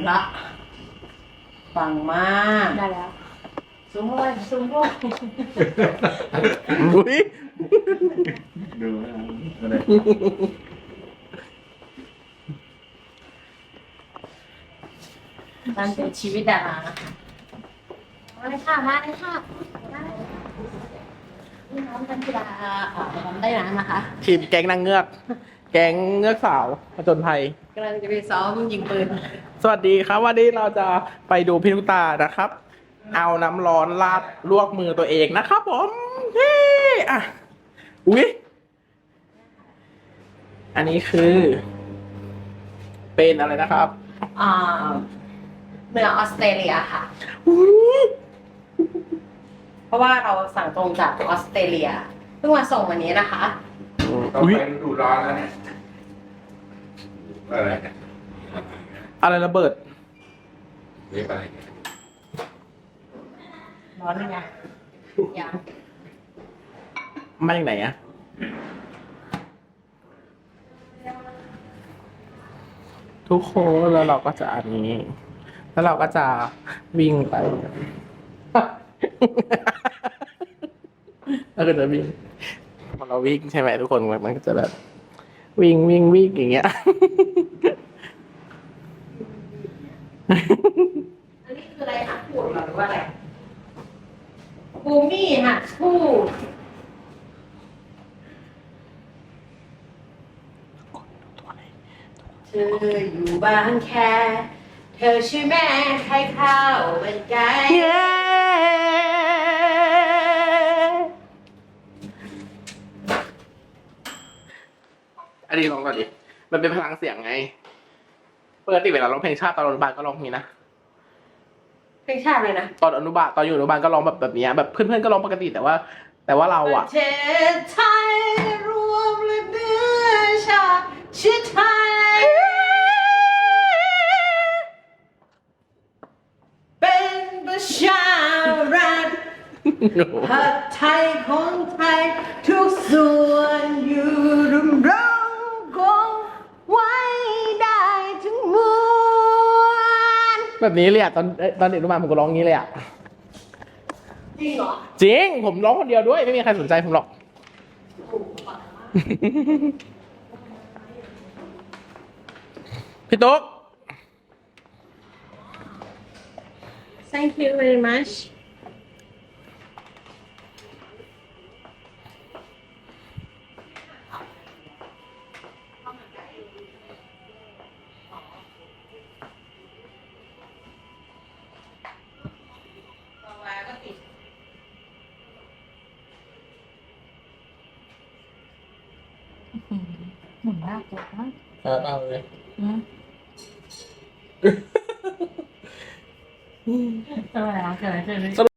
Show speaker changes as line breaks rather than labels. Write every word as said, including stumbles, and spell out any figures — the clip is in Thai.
ละปังมาก
ได้แล้ว
ซูมเลยซูมด้วย
อุ้ย
ดูนะอะไร
นั่นเป็นชีวิตดารานะคะมาเลยค่ะมาเลยค่ะนี่น้องกันกีฬาอ่าทำได้นะนะคะ
ทีมแก๊งนางเงือก แก๊งเงือกสาวผจญภัย
กำลังจะไปซ้อมยิงปืน
สวัสดีครับวันนี้เราจะไปดูพี่ลูกตานะครับ เอาน้ำร้อนราดลวกมือตัวเองนะครับผมเฮ้อะอุ๊ยอันนี้คือ เป็นอะไรนะครับ
อ่าเนื้อออสเตรเลียค่ะ
อุ๊ย
เพราะว่าเราสั่งตรงจากออสเตรเลียเพิ่งมาส่งวันนี้นะคะ
ต้องไปดูร้อนแล้วเนี่ยอะไรเนี่ย
อะไรระเบิด
เรียกอะไรเนี่ย
ร้อนยังไงยัง
มาจากไหนอะทุกคนแล้วเราก็จะอันนี้ แล้วเราก็จะวิ่งไป แล้วก็จะวิ่งพอเราวิ่งใช่ไหมทุกคนมันก็จะแบบ วิ่งวิ่งวิ่งอย่างเงี้ย
อันนี้คืออะไรคะพูดหรือว่าอะไรบูมี่ค่ะพูดเธออยู่บ้านแค่เธอชื่อแม่ใครข้าวเป็นไก่
อันนี้ลองก่อนดิ มันเป็นพลังเสียงไงปกติเวลาร้องเพลงชาติตอนอนุบาลก็ร้องอย่างนี้นะ
เพลงชาติเลยนะ
ตอนอนุบาลตอนอยู่อนุบาลก็ร้องแบบแบบนี้แบบเพื่อนๆก็ร้องปกติแต่ว่า แต่ว่าเรา
ป
อะ
ระเทศไทยรวมและเนื้อชาติชาติไทยเป็นประชารัฐผัดไทยของไทยทุกส่วนอยู่รวมเราคงไว้ได้ทั้งมวล
แบบนี้เลยอะตอนตอนเด็กอนุบาลผมก็ร้องอย่างนี้เลยอะ
จริงเหรอ
จริงผมร้องคนเดียวด้วยไม่มีใครสนใจผมหรอก พี่ตุ๊ก
Thank you very much
หมุนหน้าตัวมั้ง
เอาเอาเลย
เออเกิดอะไรขึ้น